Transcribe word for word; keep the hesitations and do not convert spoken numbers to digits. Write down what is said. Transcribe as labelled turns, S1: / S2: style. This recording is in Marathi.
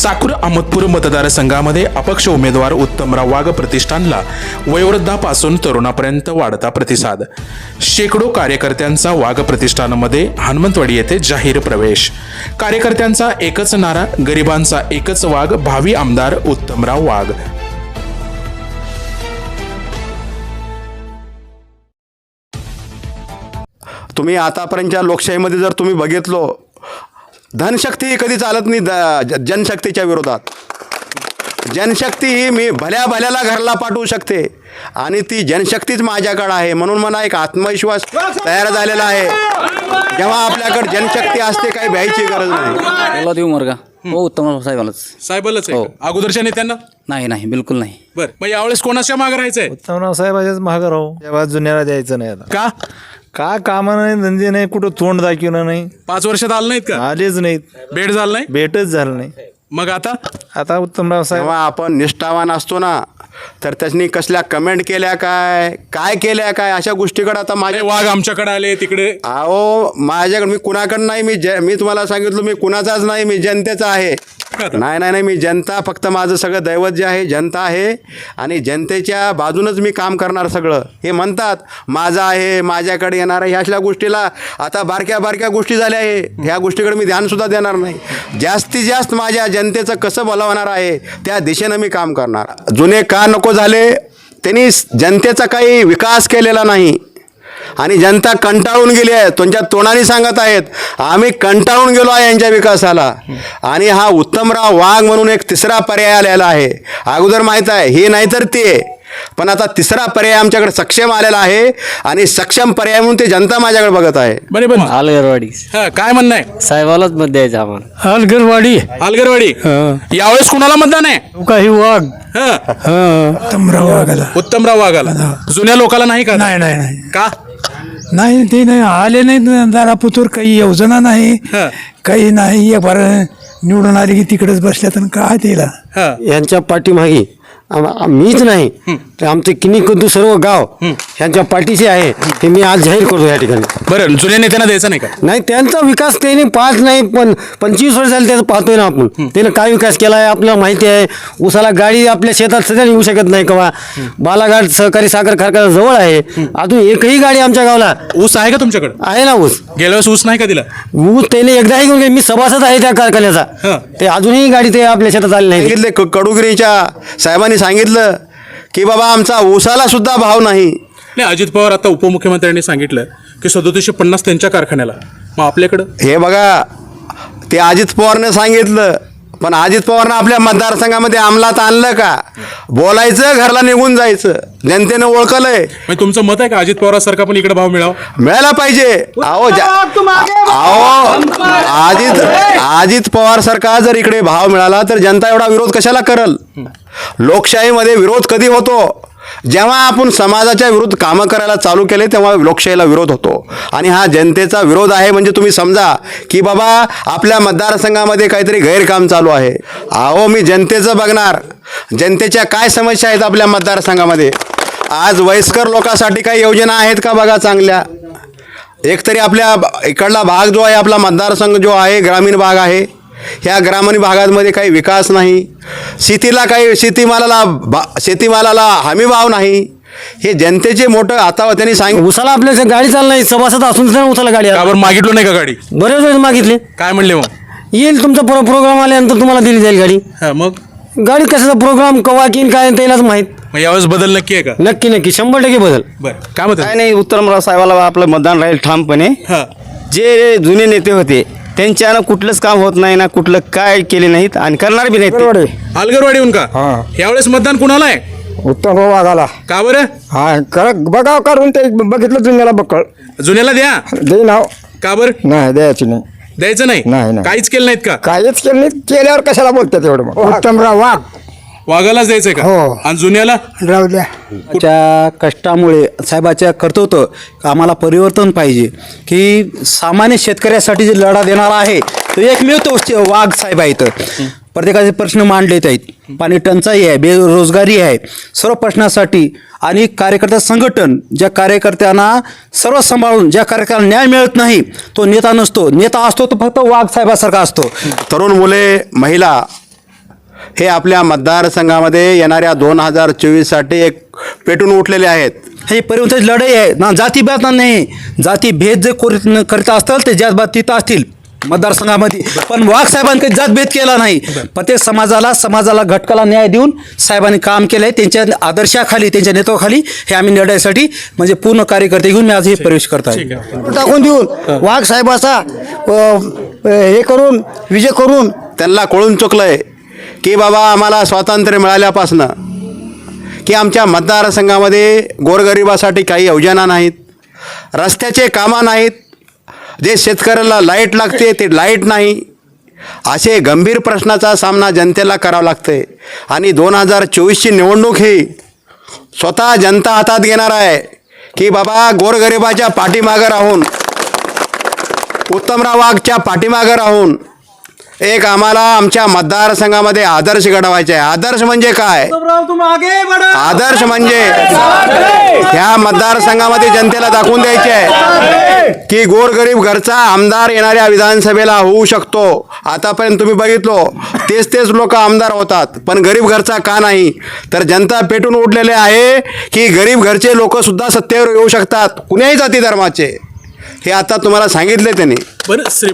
S1: साकूर अहमदपूर मतदारसंघामध्ये अपक्ष उमेदवार उत्तमराव वाघ प्रतिष्ठानला वयोवृद्धापासून तरुणापर्यंत वाढता प्रतिसाद. शेकडो कार्यकर्त्यांचा वाघ प्रतिष्ठानमध्ये हनुमंतवाडी येथे जाहीर प्रवेश. कार्यकर्त्यांचा एकच नारा, गरिबांचा एकच वाघ, भावी आमदार उत्तमराव वाघ.
S2: तुम्ही आतापर्यंतच्या लोकशाहीमध्ये जर तुम्ही बघितलो, धनशक्ती कधी चालत नाही जनशक्तीच्या विरोधात. जनशक्ती ही मी भल्या भल्याला घरला पाठवू शकते आणि ती जनशक्तीच माझ्याकडे आहे. म्हणून मला एक आत्मविश्वास तयार झालेला आहे. जेव्हा आपल्याकडे जनशक्ती असते काही भ्यायची गरज नाही.
S3: देऊ मोरगा हो, उत्तम साहेबालाच
S1: साहेबालाच आहे का? अगोदरच्या नेत्यांना
S3: नाही नाही बिलकुल नाही.
S1: बर, मग यावेळेस कोणाच्या मागे राहायचंय?
S4: उत्तमराव साहेबाच्याच महाग राहू, तेव्हा जुन्याला द्यायचं नाही. आता
S1: का
S4: का कामं नाही, धंदे नाही, कुठं तोंड दाखवलं नाही,
S1: पाच वर्षात आलं नाहीत का?
S4: आलेच नाहीत,
S1: भेट झालं नाही.
S4: भेटच झालं नाही.
S1: मग आता
S4: आता उत्तमराव साहेब
S2: जेव्हा आपण निष्ठावान असतो ना, तर त्याच्यानी कसल्या कमेंट केल्या काय काय केल्या काय अशा गोष्टीकडे आता माझे
S1: अरे वाघ आमच्याकडे आले तिकडे.
S2: अहो माझ्याकडे मी कुणाकडं नाही, मी ज मी तुम्हाला सांगितलं मी कुणाचाच नाही, मी जनतेचा आहे. नाही नाही नाही मी जनता, फक्त माझं सगळं दैवत जे आहे जनता आहे आणि जनतेच्या बाजूनच मी काम करणार सगळं. हे म्हणतात माझं आहे, माझ्याकडे येणार आहे, ह्या अशा गोष्टीला आता बारक्या बारक्या गोष्टी झाल्या आहे. ह्या गोष्टीकडे मी ध्यानसुद्धा देणार नाही. जास्तीत जास्त माझ्या जनतेचं कसं भलं होणार आहे त्या दिशेनं मी काम करणार. जुने का नको झाले, त्यांनी जनतेचा काही विकास केलेला नाही आणि जनता कंटाळून गेली आहे. तुमच्या तोंडाने सांगत आहेत आम्ही कंटाळून गेलो आहे यांच्या विकासाला. आणि हा उत्तमराव वाघ म्हणून एक तिसरा पर्याय आलेला आहे. अगोदर माहीत आहे हे नाही तर ते, पण आता तिसरा पर्याय आमच्याकडे सक्षम आलेला आहे आणि सक्षम पर्याय म्हणून ते जनता माझ्याकडे बघत आहे.
S1: बरे पण
S3: आलगरवाडी
S1: हा, काय म्हणणं आहे?
S3: साहेबालाच मत द्यायचं आम्हाला.
S4: अलगरवाडी
S1: आलगरवाडी. यावेळेस कुणाला मतदान आहे?
S4: काही वाघ
S1: हा,
S4: उत्तमराव वाघाला.
S1: उत्तमराव वाघाला. जुन्या लोकांना नाही का?
S4: नाही नाही नाही
S1: का?
S4: नाही ते नाही आले नाही दारापुतूर, काही योजना नाही,
S1: हा.
S4: काही नाही. एक बार निवडून आले की तिकडेच बसल्या तर काय त्याला.
S1: हा.
S5: यांच्या पाठीमागे आम- मीच नाही तर आमचे किनी कुंदू सर्व गाव ह्यांच्या पाठीशी आहे हे मी आज जाहीर करतो या ठिकाणी.
S1: बरं, जुन्या नेत्यांना द्यायचं नाही का?
S5: नाही त्यांचा विकास त्याने पाच नाही पण पंचवीस वर्ष झाले त्याचं पाहतोय ना आपण. त्याने काय विकास केला आहे आपल्याला माहिती आहे. उसाला गाडी आपल्या शेतात सध्या येऊ शकत नाही कवा. बालाघाट सहकारी साखर कारखाना जवळ आहे, अजून एकही गाडी आमच्या गावाला
S1: ऊस आहे का तुमच्याकडे?
S5: आहे ना. ऊस
S1: गेल्या वेळेस ऊस नाही का दिला?
S5: ऊस त्याने एकदाही घेऊन गेले. मी सभासद आहे त्या
S1: हा.
S5: कारखान्याचा. ते अजूनही गाडी ते आपल्या शेतात आली नाही.
S2: सांगितले क- कडुगिरीच्या साहेबांनी सांगितलं की बाबा आमचा ऊसाला सुद्धा भाव नाही.
S1: नाही, अजित पवार आता उपमुख्यमंत्र्यांनी सांगितलं की सदोतीसशे पन्नास त्यांच्या कारखान्याला. मग आपल्याकडं
S2: हे बघा, ते अजित पवारने सांगितलं, पण अजित पवारनं आपल्या मतदारसंघामध्ये अंमलात आणलं का? बोलायचं, घरला निघून जायचं. जनतेनं ओळखलंय.
S1: म्हणजे तुमचं मत आहे का अजित पवारांसारखा पण इकडे भाव मिळावा?
S2: मिळायला पाहिजे. अहो जा- अहो अजित अजित पवार सारखा जर इकडे भाव मिळाला तर जनता एवढा विरोध कशाला करल? लोकशाहीमध्ये विरोध कधी होतो? जेव्हा आपण समाजाच्या विरुद्ध कामं करायला चालू केले तेव्हा लोकशाहीला विरोध होतो. आणि हा जनतेचा विरोध आहे म्हणजे तुम्ही समजा की बाबा आपल्या मतदारसंघामध्ये काहीतरी गैरकाम चालू आहे. अहो मी जनतेचं बघणार, जनतेच्या काय समस्या आहेत आपल्या मतदारसंघामध्ये. आज वयस्कर लोकांसाठी काही योजना आहेत का बघा चांगल्या. एकतरी आपल्या इकडला भाग जो आहे, आपला मतदारसंघ जो आहे ग्रामीण भाग आहे, ह्या ग्रामीण भागांमध्ये काही विकास नाही. शेतीला काही शेतीमालाला बा शेतीमालाला हमी भाव नाही. हे जनतेचे मोठं आता त्यांनी सांगितलं.
S5: उसाला आपल्या गाडी चालणार नाही, सभासद असून सुद्धा उसाला गाडी आहे.
S1: का बरं मागितलं नाही का गाडी?
S5: बरेच वेळेस मागितले.
S1: काय म्हणले मग?
S5: येईल तुमचा प्रो प्रोग्राम आल्यानंतर तुम्हाला दिली जाईल गाडी.
S1: हा, मग
S5: गाडी कशाचा प्रोग्राम कवा किन काय त्यालाच माहीत.
S1: मग यावेळेस बदल नक्की आहे का?
S5: नक्की नक्की शंभर टक्के बदल.
S1: बरं, काय म्हणतात?
S6: काय नाही, उत्तमराव साहेबाला आपलं मतदान राहील ठामपणे.
S1: हा.
S6: जे जुने नेते होते त्यांच्यानं कुठलंच काम होत नाही ना, कुठलं काय केले नाहीत आणि करणार बी नाहीत.
S1: अलगरवाडीहून का? यावेळेस मतदान कुणाला आहे?
S4: उत्तमराव वाघाला.
S1: का बरं?
S4: हा कर बघाव काढून ते बघितलं जुन्याला बक्कळ
S1: जुन्याला द्या.
S4: दे नाव.
S1: का बरं
S4: नाही द्यायची नाही,
S1: द्यायचं नाही?
S4: नाही, नाही.
S1: काहीच केलं नाहीत का?
S4: काहीच केलं नाही. केल्यावर कशाला बोलतात एवढं? उत्तमराव वाघ
S1: वाघालाच द्यायचंय का?
S4: हो.
S1: आणि जुन्याला?
S4: राहू द्या.
S7: च्या कष्टामुळे साहेबाच्या कर्तव्य आम्हाला परिवर्तन पाहिजे की सामान्य शेतकऱ्यासाठी जे लढा देणारा आहे तो एकमेव तो वाघ साहेब आहेत. प्रत्येकाचे प्रश्न मांडले आहेत. पाणी टंचाई आहे, बेरोजगारी आहे, सर्व प्रश्नासाठी आणि कार्यकर्ता संघटन ज्या कार्यकर्त्यांना सर्व सांभाळून ज्या कार्यकर्त्यांना न्याय मिळत नाही तो नेता नसतो. नेता असतो तो फक्त वाघ साहेबासारखा असतो.
S2: तरुण मुले, महिला हे आपल्या मतदारसंघामध्ये येणाऱ्या दोन हजार चोवीससाठी एक पेटून उठलेले आहेत.
S7: हे परिवर्तनाची लढाई आहे ना, जातीभेद नाही. जातीभेद जे कोर- करत असतील ते जातभात तिथं असतील मतदारसंघामध्ये, पण वाघ साहेबांनी काही जातभेद केला नाही. प्रत्येक समाजाला समाजाला घटकाला न्याय देऊन साहेबांनी काम केलं आहे. त्यांच्या आदर्शाखाली त्यांच्या नेतृत्वाखाली हे आम्ही लढाईसाठी म्हणजे पूर्ण कार्यकर्ते घेऊन मी आज हे प्रवेश करत आहे.
S5: टाकून देऊन वाघ साहेबाचा हे करून विजय करून
S2: त्यांना कळून चुकलंय की बाबा आम्हाला स्वातंत्र्य मिळाल्यापासनं की आमच्या मतदारसंघामध्ये गोरगरिबासाठी काही योजना नाहीत, रस्त्याचे कामं नाहीत, जे शेतकऱ्याला लाईट लागते ते लाईट नाही, असे गंभीर प्रश्नाचा सामना जनतेला करावा लागते. आणि दोन हजार चोवीसची निवडणूक ही स्वतः जनता हातात घेणार आहे की बाबा गोरगरिबाच्या पाठीमागं राहून, उत्तमराव वाघच्या पाठीमागं राहून एक आम्हाला आमच्या मतदारसंघामध्ये आदर्श घडवायचे आहे. आदर्श म्हणजे काय? आदर्श म्हणजे ह्या मतदारसंघामध्ये जनतेला दाखवून द्यायचे आहे की गोरगरीब घरचा आमदार येणाऱ्या विधानसभेला होऊ शकतो. आतापर्यंत तुम्ही बघितलो तेच तेच लोक आमदार होतात, पण गरीब घरचा का नाही? तर जनता पेटून उठलेले आहे की गरीब घरचे लोक सुद्धा सत्तेवर येऊ शकतात, कुण्याही जाती धर्माचे. हे आता तुम्हाला सांगितले त्यांनी.
S1: बरं श्री